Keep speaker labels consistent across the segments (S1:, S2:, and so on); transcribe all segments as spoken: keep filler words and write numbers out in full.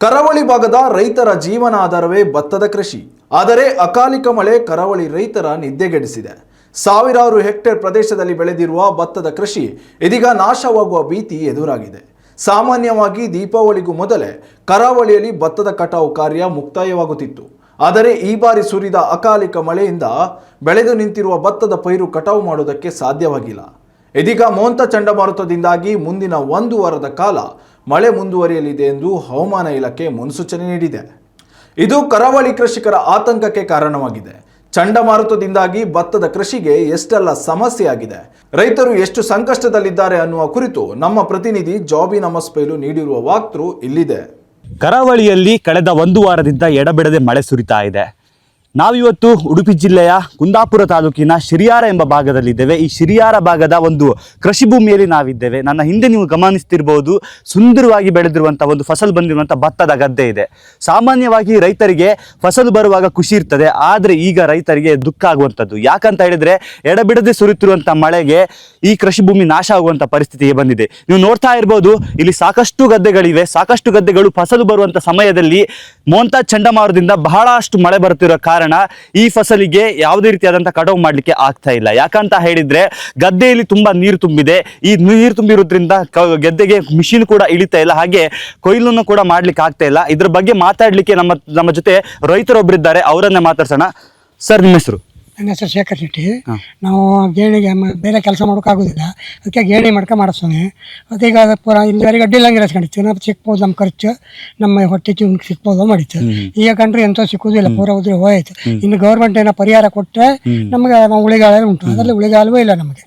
S1: ಕರಾವಳಿ ಭಾಗದ ರೈತರ ಜೀವನಾಧಾರವೇ ಭತ್ತದ ಕೃಷಿ. ಆದರೆ ಅಕಾಲಿಕ ಮಳೆ ಕರಾವಳಿ ರೈತರ ನಿದ್ದೆಗೆಡಿಸಿದೆ. ಸಾವಿರಾರು ಹೆಕ್ಟೇರ್ ಪ್ರದೇಶದಲ್ಲಿ ಬೆಳೆದಿರುವ ಭತ್ತದ ಕೃಷಿ ಇದೀಗ ನಾಶವಾಗುವ ಭೀತಿ ಎದುರಾಗಿದೆ. ಸಾಮಾನ್ಯವಾಗಿ ದೀಪಾವಳಿಗೂ ಮೊದಲೇ ಕರಾವಳಿಯಲ್ಲಿ ಭತ್ತದ ಕಟಾವು ಕಾರ್ಯ ಮುಕ್ತಾಯವಾಗುತ್ತಿತ್ತು. ಆದರೆ ಈ ಬಾರಿ ಸುರಿದ ಅಕಾಲಿಕ ಮಳೆಯಿಂದ ಬೆಳೆದು ನಿಂತಿರುವ ಭತ್ತದ ಪೈರು ಕಟಾವು ಮಾಡುವುದಕ್ಕೆ ಸಾಧ್ಯವಾಗಿಲ್ಲ. ಇದೀಗ ಮೋಂತಾ ಚಂಡಮಾರುತದಿಂದಾಗಿ ಮುಂದಿನ ಒಂದು ವಾರದ ಕಾಲ ಮಳೆ ಮುಂದುವರಿಯಲಿದೆ ಎಂದು ಹವಾಮಾನ ಇಲಾಖೆ ಮುನ್ಸೂಚನೆ ನೀಡಿದೆ. ಇದು ಕರಾವಳಿ ಕೃಷಿಕರ ಆತಂಕಕ್ಕೆ ಕಾರಣವಾಗಿದೆ. ಚಂಡಮಾರುತದಿಂದಾಗಿ ಭತ್ತದ ಕೃಷಿಗೆ ಎಷ್ಟೆಲ್ಲ ಸಮಸ್ಯೆ ಆಗಿದೆ, ರೈತರು ಎಷ್ಟು ಸಂಕಷ್ಟದಲ್ಲಿದ್ದಾರೆ ಅನ್ನುವ ಕುರಿತು ನಮ್ಮ ಪ್ರತಿನಿಧಿ ಜಾಬಿ ನಮಸ್ಪೈಲು ನೀಡಿರುವ ವಾಕ್ತೃ ಇಲ್ಲಿದೆ.
S2: ಕರಾವಳಿಯಲ್ಲಿ ಕಳೆದ ಒಂದು ವಾರದಿಂದ ಎಡಬಿಡದೆ ಮಳೆ ಸುರಿತಾ ಇದೆ. ನಾವಿವತ್ತು ಉಡುಪಿ ಜಿಲ್ಲೆಯ ಕುಂದಾಪುರ ತಾಲೂಕಿನ ಶಿರಿಯಾರ ಎಂಬ ಭಾಗದಲ್ಲಿದ್ದೇವೆ. ಈ ಶಿರಿಯಾರ ಭಾಗದ ಒಂದು ಕೃಷಿ ಭೂಮಿಯಲ್ಲಿ ನಾವಿದ್ದೇವೆ. ನನ್ನ ಹಿಂದೆ ನೀವು ಗಮನಿಸ್ತಿರ್ಬೋದು, ಸುಂದರವಾಗಿ ಬೆಳೆದಿರುವಂಥ ಒಂದು ಫಸಲು ಬಂದಿರುವಂಥ ಭತ್ತದ ಗದ್ದೆ ಇದೆ. ಸಾಮಾನ್ಯವಾಗಿ ರೈತರಿಗೆ ಫಸಲು ಬರುವಾಗ ಖುಷಿ ಇರ್ತದೆ, ಆದರೆ ಈಗ ರೈತರಿಗೆ ದುಃಖ ಆಗುವಂಥದ್ದು. ಯಾಕಂತ ಹೇಳಿದ್ರೆ ಎಡಬಿಡದೆ ಸುರಿತಿರುವಂಥ ಮಳೆಗೆ ಈ ಕೃಷಿ ಭೂಮಿ ನಾಶ ಆಗುವಂಥ ಪರಿಸ್ಥಿತಿಗೆ ಬಂದಿದೆ. ನೀವು ನೋಡ್ತಾ ಇರ್ಬೋದು, ಇಲ್ಲಿ ಸಾಕಷ್ಟು ಗದ್ದೆಗಳಿವೆ. ಸಾಕಷ್ಟು ಗದ್ದೆಗಳು ಫಸಲು ಬರುವಂಥ ಸಮಯದಲ್ಲಿ ಮೋಂತಾ ಚಂಡಮಾರುತದಿಂದ ಬಹಳಷ್ಟು ಮಳೆ ಬರುತ್ತಿರೋ ಕಾರಣ ಈ ಫಸಲಿಗೆ ಯಾವುದೇ ರೀತಿಯಾದಂಥ ಕಟಾವು ಮಾಡಲಿಕ್ಕೆ ಆಗ್ತಾ ಇಲ್ಲ. ಯಾಕಂತ ಹೇಳಿದ್ರೆ ಗದ್ದೆಯಲ್ಲಿ ತುಂಬಾ ನೀರು ತುಂಬಿದೆ. ಈ ನೀರು ತುಂಬಿರೋದ್ರಿಂದ ಗದ್ದೆಗೆ ಮಿಷಿನ್ ಕೂಡ ಇಳಿತಾ ಇಲ್ಲ, ಹಾಗೆ ಕೊಯ್ಲನ್ನು ಕೂಡ ಮಾಡ್ಲಿಕ್ಕೆ ಆಗ್ತಾ ಇಲ್ಲ. ಇದ್ರ ಬಗ್ಗೆ ಮಾತಾಡ್ಲಿಕ್ಕೆ ನಮ್ಮ ನಮ್ಮ ಜೊತೆ ರೈತರೊಬ್ಬರಿದ್ದಾರೆ, ಅವರನ್ನೇ ಮಾತಾಡ್ಸೋಣ. ಸರ್, ನಿಮ್ಮ ಹೆಸರು?
S3: ನನ್ನ ಹೆಸರು ಶೇಖರ್ ಶೆಟ್ಟಿ. ನಾವು ಗೇಣಿಗೆ ಬೇರೆ ಕೆಲಸ ಮಾಡೋಕ್ಕಾಗೋದಿಲ್ಲ, ಅದಕ್ಕೆ ಗೇಣಿ ಮಾಡ್ಕೊಂಡು ಮಾಡಿಸ್ತಾನೆ. ಅದೀಗ ಪೂರ ಇಲ್ಲಿವರೆಗೆ ಅಡ್ಡಿ ಇಲ್ಲಂಗೆ ಇರಿಸ್ಕೊಂಡಿತ್ತು. ನಾವು ಸಿಕ್ಬೋದು, ನಮ್ಮ ಖರ್ಚು ನಮ್ಮ ಹೊಟ್ಟೆ ಚೀಮ್ ಸಿಕ್ಬೋದು ಮಾಡಿತ್ತು. ಈಗ ಕಂಡ್ರೆ ಎಂತ ಸಿಕ್ಕುವುದಿಲ್ಲ, ಪೂರ ಉದ್ರೆ ಹೋಯ್ತು. ಇನ್ನು ಗೌರ್ಮೆಂಟ್ ಏನೋ ಪರಿಹಾರ ಕೊಟ್ಟರೆ ನಮಗೆ ನಾವು ಉಳಿಗಾಲ ಉಂಟು, ಅದರಲ್ಲಿ ಉಳಿಗಾಲವೂ ಇಲ್ಲ ನಮಗೆ.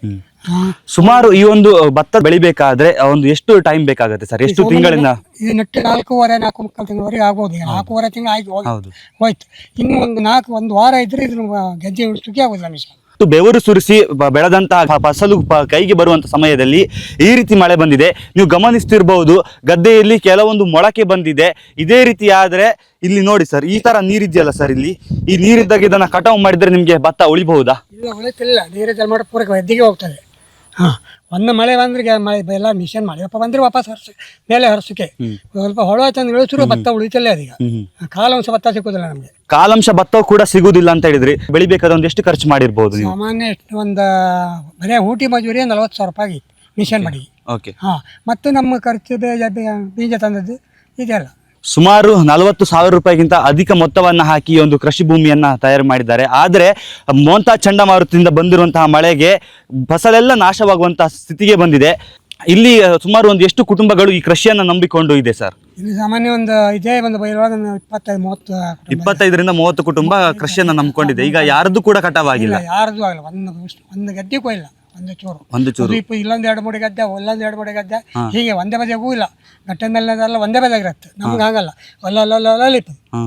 S2: ಸುಮಾರು ಈ ಒಂದು ಭತ್ತ ಬೆಳಿಬೇಕಾದ್ರೆ ಒಂದು ಎಷ್ಟು ಟೈಮ್ ಬೇಕಾಗುತ್ತೆ ಸರ್? ಎಷ್ಟು ತಿಂಗಳಿಂದ?
S3: ಇದು ನೆಟ್ಟು ನಾಲ್ಕೂವರೆ ನಾಲ್ಕು ಮುಕ್ಕಾಲು ತಿಂಗಳವರೆಗೆ ಆಗ್ಬೋದು. ನಾಲ್ಕೂವರೆ ತಿಂಗಳು ಆಗಿ ಹೋಯ್ತು. ಇನ್ನು ಒಂದು ನಾಲ್ಕು ಒಂದು ವಾರ ಇದ್ರೆ ಇದನ್ನ ಗೆಜ್ಜೆ ಉಳಿಸೋಕೆ ಆಗೋದಿಲ್ಲ ನಿಮಿಷ.
S2: ಬೆವರು ಸುರಿಸಿ ಬೆಳೆದಂತಹ ಫಸಲು ಕೈಗೆ ಬರುವಂತ ಸಮಯದಲ್ಲಿ ಈ ರೀತಿ ಮಳೆ ಬಂದಿದೆ. ನೀವು ಗಮನಿಸ್ತಿರ್ಬಹುದು, ಗದ್ದೆಯಲ್ಲಿ ಕೆಲವೊಂದು ಮೊಳಕೆ ಬಂದಿದೆ. ಇದೇ ರೀತಿ ಆದ್ರೆ ಇಲ್ಲಿ ನೋಡಿ ಸರ್, ಈ ತರ ನೀರಿದೆಯಲ್ಲ ಸರ್, ಇಲ್ಲಿ ಈ ನೀರಿದ್ದಾಗ ಇದನ್ನ ಕಟಾವು ಮಾಡಿದ್ರೆ ನಿಮ್ಗೆ ಭತ್ತ ಉಳಿಬಹುದಾ? ಇಲ್ಲ,
S3: ಉಳಿತಿಲ್ಲ. ನೀರಿದ್ದಲ್ಲಿ ಮಾಡಿ ಪೂರಕ ಗದ್ದೆಗೆ ಹೋಗ್ತದೆ. ಹಾಂ, ಒಂದು ಮಳೆ ಬಂದ್ರೆ ಮಳೆ ಎಲ್ಲ ಮಿಷನ್ ಮಾಡಿ ಅಪ್ಪ ಬಂದ್ರೆ ವಾಪಸ್ ಹರ್ಸ ಮೇಲೆ ಹರ್ಸಕ್ಕೆ ಸ್ವಲ್ಪ ಹೊಳ ತಂದು ಇಳಿಸಿದ್ರು ಭತ್ತ ಉಳಿತಲ್ಲ. ಅದೀಗ ಕಾಲಾಂಶ ಭತ್ತ ಸಿಗೋದಿಲ್ಲ ನಮಗೆ.
S2: ಕಾಲಾಂಶ ಭತ್ತ ಕೂಡ ಸಿಗುದಿಲ್ಲ ಅಂತ ಹೇಳಿದ್ರಿ. ಬೆಳಿಬೇಕಾದ್ರೆ ಒಂದು ಎಷ್ಟು ಖರ್ಚು ಮಾಡಿರ್ಬೋದು?
S3: ಸಾಮಾನ್ಯ ಒಂದು ಬರೀ ಊಟಿ ಮಜೂರಿ ನಲ್ವತ್ತು ಸಾವಿರ ರೂಪಾಯಿ ಆಗಿತ್ತು ಮಿಷನ್ ಮಾಡಿ.
S2: ಓಕೆ.
S3: ಹಾಂ, ಮತ್ತು ನಮ್ಮ ಖರ್ಚು ಬೀಜ ತಂದದ್ದು ಇದೆಲ್ಲ
S2: ಸುಮಾರು ನಲವತ್ತು ಸಾವಿರ ರೂಪಾಯಿಗಿಂತ ಅಧಿಕ ಮೊತ್ತವನ್ನು ಹಾಕಿ ಒಂದು ಕೃಷಿ ಭೂಮಿಯನ್ನ ತಯಾರು ಮಾಡಿದ್ದಾರೆ. ಆದರೆ ಮೋಂತಾ ಚಂಡಮಾರುತದಿಂದ ಬಂದಿರುವಂತಹ ಮಳೆಗೆ ಫಸಲೆಲ್ಲ ನಾಶವಾಗುವಂತಹ ಸ್ಥಿತಿಗೆ ಬಂದಿದೆ. ಇಲ್ಲಿ ಸುಮಾರು ಒಂದು ಎಷ್ಟು ಕುಟುಂಬಗಳು ಈ ಕೃಷಿಯನ್ನ ನಂಬಿಕೊಂಡು ಇದೆ ಸರ್?
S3: ಇಲ್ಲಿ ಸಾಮಾನ್ಯ ಒಂದು ಇದೇ ಒಂದು ಇಪ್ಪತ್ತೈದು ಮೂವತ್ತು
S2: ಇಪ್ಪತ್ತೈದರಿಂದ ಮೂವತ್ತು ಕುಟುಂಬ ಕೃಷಿಯನ್ನ ನಂಬಿಕೊಂಡಿದೆ. ಈಗ ಯಾರದ್ದು ಕೂಡ ಕಟಾವಾಗಿಲ್ಲ,
S3: ಯಾರ್ದು ಆಗಲ್ಲ. ಒಂದು ಒಂದು ಗದ್ದೆಗೂ ಇಲ್ಲ, ಒಂದು ಚೂರು
S2: ಒಂದು ಚೂರು
S3: ಇಲ್ಲೊಂದು ಎರಡು ಮೂಡಿ ಗದ್ದೆ, ಒಲ್ಲೊಂದು ಎರಡು ಮೂಡಿ ಗದ್ದೆ, ಹೀಗೆ ಒಂದೇ ಬದಿಗೂ ಇಲ್ಲ. ಗಟ್ಟೆ ಮೇಲೆಲ್ಲ ಒಂದೇ ಬದಿಯಾಗಿರುತ್ತೆ, ನಮ್ಗೆ ಆಗಲ್ಲ. ಒಲ್ಲೊಲ್ಲೊಲ್ಲ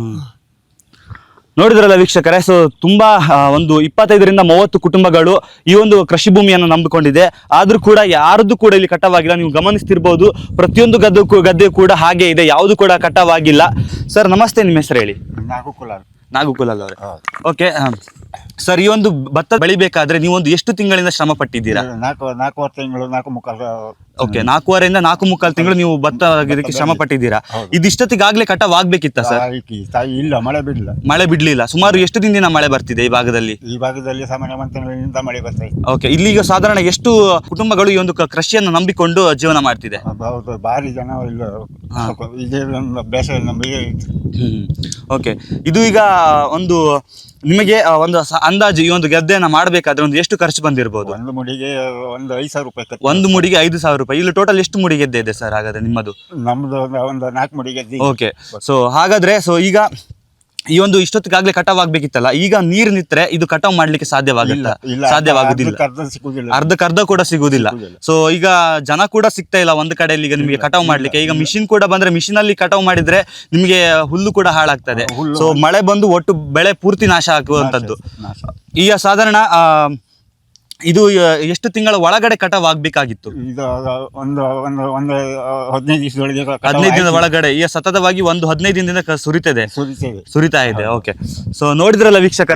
S2: ನೋಡಿದ್ರಲ್ಲ ವೀಕ್ಷಕರೇ. ಸೊ ತುಂಬಾ ಒಂದು ಇಪ್ಪತ್ತೈದರಿಂದ ಮೂವತ್ತು ಕುಟುಂಬಗಳು ಈ ಒಂದು ಕೃಷಿ ಭೂಮಿಯನ್ನು ನಂಬಿಕೊಂಡಿದೆ. ಆದ್ರೂ ಕೂಡ ಯಾರದ್ದು ಕೂಡ ಇಲ್ಲಿ ಕಟಾವಾಗಿಲ್ಲ. ನೀವು ಗಮನಿಸ್ತಿರ್ಬೋದು, ಪ್ರತಿಯೊಂದು ಗದ್ದೆ ಗದ್ದೆ ಕೂಡ ಹಾಗೆ ಇದೆ, ಯಾವುದು ಕೂಡ ಕಟಾವಾಗಿಲ್ಲ. ಸರ್ ನಮಸ್ತೆ, ನಿಮ್ಮ ಹೆಸರು ಹೇಳಿ?
S4: ನಾಗುಕುಲಾಲ್.
S2: ನಾಗುಕುಲಾಲ್ ಅವರೇ, ಓಕೆ. ಸರ್, ಈ ಒಂದು ಭತ್ತ ಬೆಳಿಬೇಕಾದ್ರೆ ನೀವು ಒಂದು ಎಷ್ಟು ತಿಂಗಳಿಂದ ಶ್ರಮ ಪಟ್ಟಿದ್ದೀರಾ?
S4: ನಾಲ್ಕು ನಾಲ್ಕೂವರೆ ತಿಂಗಳು, ನಾಲ್ಕು ಮುಕ್ಕಾಲು.
S2: ಓಕೆ, ನಾಲ್ಕೂವರೆಯಿಂದ ನಾಲ್ಕು ಮುಕ್ಕಾಲು ತಿಂಗಳು ನೀವು ಭತ್ತ ಇದಕ್ಕೆ ಶ್ರಮ ಪಟ್ಟಿದ್ದೀರಾ. ಇದಿಷ್ಟೊತ್ತಿಗಾಗ್ಲೇ ಕಟಾವ್ ಆಗ್ಬೇಕಿತ್ತ ಸರ್?
S4: ಇಲ್ಲ, ಮಳೆ ಬಿಡಲಿಲ್ಲ.
S2: ಮಳೆ ಬಿಡ್ಲಿಲ್ಲ. ಸುಮಾರು ಎಷ್ಟು ದಿನದಿಂದ ಮಳೆ ಬರ್ತಿದೆ ಈ ಭಾಗದಲ್ಲಿ?
S4: ಈ ಭಾಗದಲ್ಲಿ ಸಾಮಾನ್ಯ ಒಂದು ತಿಂಗಳಿಂದ ಮಳೆ ಬರ್ತಾ ಇದೆ.
S2: ಓಕೆ, ಇಲ್ಲಿಗ ಸಾಧಾರಣ ಎಷ್ಟು ಕುಟುಂಬಗಳು ಈ ಒಂದು ಕೃಷಿಯನ್ನು ನಂಬಿಕೊಂಡು ಜೀವನ ಮಾಡ್ತಿದೆ?
S4: ಹೌದು, ಭಾರಿ ಜನ ಇಲ್ಲ ಇದೇ ಬೇಸಾಯ ನಂಬಿ.
S2: ಹ್ಮ್, ಓಕೆ. ಇದು ಈಗ ಒಂದು ನಿಮಗೆ ಒಂದು ಅಂದಾಜು ಈ ಒಂದು ಗದ್ದೆಯನ್ನ ಮಾಡಬೇಕಾದ್ರೆ ಒಂದು ಎಷ್ಟು ಖರ್ಚು ಬಂದಿರಬಹುದು?
S4: ಒಂದು ಮುಡಿಗೆ ಒಂದು ಐದು ಸಾವಿರ ರೂಪಾಯಿ.
S2: ಒಂದು ಮುಡಿಗೆ ಐದು ಸಾವಿರ ರೂಪಾಯಿ. ಇಲ್ಲಿ ಟೋಟಲ್ ಎಷ್ಟು ಮುಡಿ ಗೆದ್ದೆ ಇದೆ ಸರ್ ಹಾಗಾದ್ರೆ ನಿಮ್ಮದು?
S4: ನಮ್ದು ಒಂದು ನಾಲ್ಕು ಮುಡಿ ಗೆದ್ದೆ.
S2: ಓಕೆ. ಸೊ ಹಾಗಾದ್ರೆ ಸೊ ಈಗ ಈ ಒಂದು ಇಷ್ಟೊತ್ತಿಗಾಗ್ಲೇ ಕಟಾವ್ ಆಗ್ಬೇಕಿತ್ತಲ್ಲ, ಈಗ ನೀರು ನಿಂತ್ರೆ ಇದು ಕಟಾವ್ ಮಾಡ್ಲಿಕ್ಕೆ ಸಾಧ್ಯವಾಗುತ್ತಾ? ಸಾಧ್ಯವಾಗುದಿಲ್ಲ, ಅರ್ಧಕ್ಕರ್ಧ ಕೂಡ ಸಿಗುದಿಲ್ಲ. ಸೊ ಈಗ ಜನ ಕೂಡ ಸಿಗ್ತಾ ಇಲ್ಲ ಒಂದು ಕಡೆಯಲ್ಲಿ ಈಗ ನಿಮಗೆ ಕಟಾವ್ ಮಾಡ್ಲಿಕ್ಕೆ. ಈಗ ಮಿಷಿನ್ ಕೂಡ ಬಂದ್ರೆ ಮಿಷಿನ್ ಅಲ್ಲಿ ಕಟಾವ್ ಮಾಡಿದ್ರೆ ನಿಮಗೆ ಹುಲ್ಲು ಕೂಡ ಹಾಳಾಗ್ತದೆ. ಸೊ ಮಳೆ ಬಂದು ಒಟ್ಟು ಬೆಳೆ ಪೂರ್ತಿ ನಾಶ ಆಗುವಂತದ್ದು. ಈಗ ಸಾಧಾರಣ ಆ ಇದು ಎಷ್ಟು ತಿಂಗಳ ಒಳಗಡೆ ಕಟಾವ್ ಆಗ್ಬೇಕಾಗಿತ್ತು?
S4: ಇದು ಒಂದು ಒಂದು ಒಂದು ಹದಿನೈದು ದಿವಸದೊಳಗೆ
S2: ಹದಿನೈದು ದಿನದ ಒಳಗಡೆ. ಈಗ ಸತತವಾಗಿ ಒಂದು ಹದಿನೈದು ದಿನದಿಂದ ಸುರಿತದೆ, ಸುರಿತಾ ಇದೆ. ಓಕೆ. ಸೊ ನೋಡಿದ್ರಲ್ಲ ವೀಕ್ಷಕರೇ,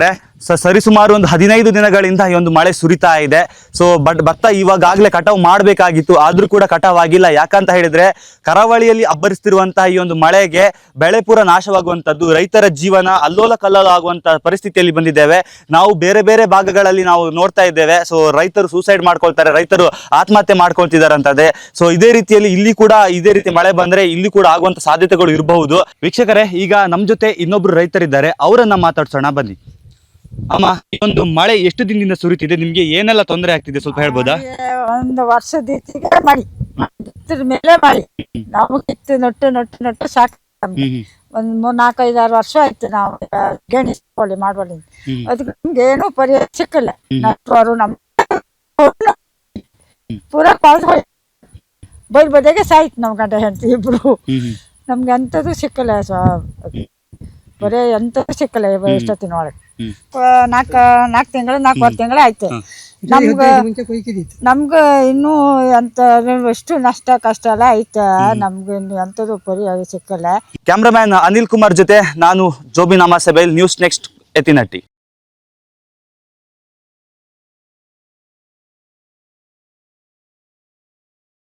S2: ಸ ಸರಿಸುಮಾರು ಒಂದು ಹದಿನೈದು ದಿನಗಳಿಂದ ಈ ಒಂದು ಮಳೆ ಸುರಿತಾ ಇದೆ. ಸೊ ಬಟ್ ಭತ್ತ ಇವಾಗಲೇ ಕಟಾವು ಮಾಡಬೇಕಾಗಿತ್ತು, ಆದ್ರೂ ಕೂಡ ಕಟಾವ್ ಆಗಿಲ್ಲ. ಯಾಕಂತ ಹೇಳಿದ್ರೆ ಕರಾವಳಿಯಲ್ಲಿ ಅಬ್ಬರಿಸ್ತಿರುವಂತಹ ಈ ಒಂದು ಮಳೆಗೆ ಬೆಳೆ ಪೂರ ನಾಶವಾಗುವಂತದ್ದು, ರೈತರ ಜೀವನ ಅಲ್ಲೋಲ ಕಲ್ಲೋಲ ಆಗುವಂತ ಪರಿಸ್ಥಿತಿಯಲ್ಲಿ ಬಂದಿದ್ದೇವೆ. ನಾವು ಬೇರೆ ಬೇರೆ ಭಾಗಗಳಲ್ಲಿ ನಾವು ನೋಡ್ತಾ ಇದ್ದೇವೆ. ಸೊ ರೈತರು ಸೂಸೈಡ್ ಮಾಡ್ಕೊಳ್ತಾರೆ, ರೈತರು ಆತ್ಮಹತ್ಯೆ ಮಾಡ್ಕೊಳ್ತಿದ್ದಾರೆ ಅಂತದೆ. ಸೊ ಇದೇ ರೀತಿಯಲ್ಲಿ ಇಲ್ಲಿ ಕೂಡ ಇದೇ ರೀತಿ ಮಳೆ ಬಂದ್ರೆ ಇಲ್ಲಿ ಕೂಡ ಆಗುವಂತ ಸಾಧ್ಯತೆಗಳು ಇರಬಹುದು. ವೀಕ್ಷಕರೇ, ಈಗ ನಮ್ ಜೊತೆ ಇನ್ನೊಬ್ರು ರೈತರಿದ್ದಾರೆ, ಅವರನ್ನ ಮಾತಾಡ್ಸೋಣ ಬನ್ನಿ. ಅಮ್ಮ, ಈ ಒಂದು ಮಳೆ ಎಷ್ಟು ದಿನದಿಂದ ಸುರಿತಿದೆ, ನಿಮ್ಗೆ ಏನೆಲ್ಲ ತೊಂದರೆ ಆಗ್ತಿದೆ ಸ್ವಲ್ಪ ಹೇಳ್ಬೋದಾ?
S5: ಒಂದು ವರ್ಷದ ಇತ್ತಿಗೆ ಮಾಡಿ ಬಿತ್ತಿದ ಮೇಲೆ ಮಾಡಿ ನಾವು ಕಿತ್ತು ನೊಟ್ಟು ನೊಟ್ಟು ನೊಟ್ಟು ಸಾಕು. ಒಂದ್ ಮೂರ್ ನಾಲ್ಕೈದಾರು ವರ್ಷ ಆಯ್ತು ನಾವು ಗೇಣಿ ಕೋಳಿ ಮಾಡುವಲ್ಲಿ. ಅದಕ್ಕೆ ನಮ್ಗೆ ಏನು ಪರಿಹಾರ ಸಿಕ್ಕಿಲ್ಲ. ನಟ್ಟರು ನಮ್ ಪೂರ ಕಾಲ್ ಬೈಲ್ ಬದಿಗೆ ಸಾಯ್ತು ನಮ್ ಗಂಡ ಹೆಂಡತಿ ಇಬ್ರು. ನಮ್ಗೆ ಎಂಥದ್ದು ಸಿಕ್ಕಿಲ್ಲ, ಬರೀ ಎಂಥದ್ದು ಸಿಕ್ಕಿಲ್ಲ ಎಷ್ಟೊತ್ತಿನ ಒಳಗೆ. ನಾಲ್ಕು ನಾಲ್ಕು ತಿಂಗಳು ನಾಲ್ಕುವರೆ ತಿಂಗಳು ಆಯ್ತು. ನಮ್ಗೆ ನಮ್ಗೆ ಇನ್ನೂ ಎಂತ ಎಷ್ಟು ನಷ್ಟ ಕಷ್ಟ ಎಲ್ಲ ಐತೆ. ನಮ್ಗೆ ಇನ್ನು ಎಂಥದ್ದು ಪರಿಹಾರ ಸಿಕ್ಕಲ್ಲ.
S2: ಕ್ಯಾಮ್ರಾಮ್ಯಾನ್ ಅನಿಲ್ ಕುಮಾರ್ ಜೊತೆ ನಾನು ಜೋಬಿನ್ ಅಮಾಸೆಬೈಲ್, ನ್ಯೂಸ್ ನೆಕ್ಸ್ಟ್ ಎತ್ತಿನಟ್ಟಿ.